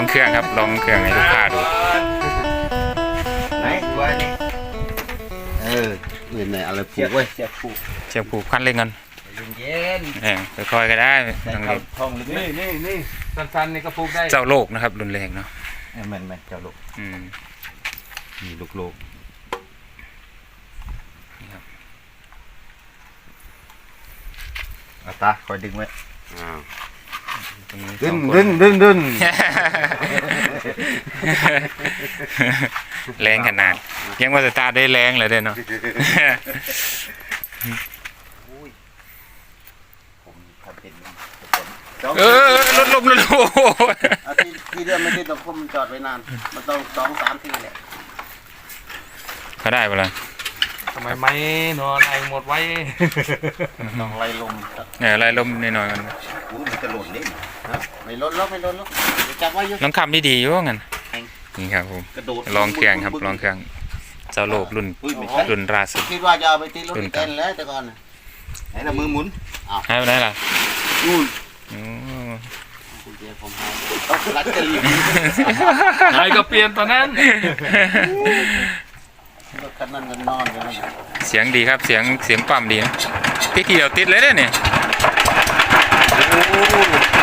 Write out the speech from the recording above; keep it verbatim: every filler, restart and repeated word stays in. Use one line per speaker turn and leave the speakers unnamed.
องเครื่องครับลองเครื่องให้ลูกค้าดู
ไหนไว้นี่เออเงินไหนอะไรผูกไว้เสียบผูก
เชือกผูกคันเร่งกัน
เย็น
เออค่อยๆก็ได้
ทองทองลึกนี่นี่นี่สั้นๆนี่ก็ผูกได้
เจ้าโลกนะครับรุนแรงเนาะ
แม่นแม่นเจ้าโลก
อืม
นี่ลูกโลก
นี่ครับ
เอาตาคอยดึงไว้อ้าวดึ
ดึ
งดึงดึงดึง
แรงขนาดยังว่าจะตาได้แรงเลยเด้เนาะเออลดลมลดลม
ที่ที่เรื่องไม่ได้ต้องคุมจอดไว้นานมันต้องสองสามทีแหละ
เขาได้ปะล่ะ
ทำไมไม่นอนไอหมดไว้
ต้องไล่ลม
เออไล่ลมนิดหน่อยมัน
มันจะหล่นเล่นไม่ล้นแล้วไม่ล้นแล้วจับไว้อยู่
น้องคำนี่ดีอยู่ว่างั้นนี่ครับผมลองเครื่องครับลองเครื่องเจ้าโลกรุ่นรุ่นราสุด
คิดว่าจะเอาไปตีรถเต้นแล้วแต่ก่อนไหนละมือหมุน
ให้ไปไหนล่ะ
นู่น
ไหนก็เปลี่ยนตอนนั้น
เสียงดีครับเสียงเสียงปั๊มดีนะติดทีเดียวติดเลยเนี่ย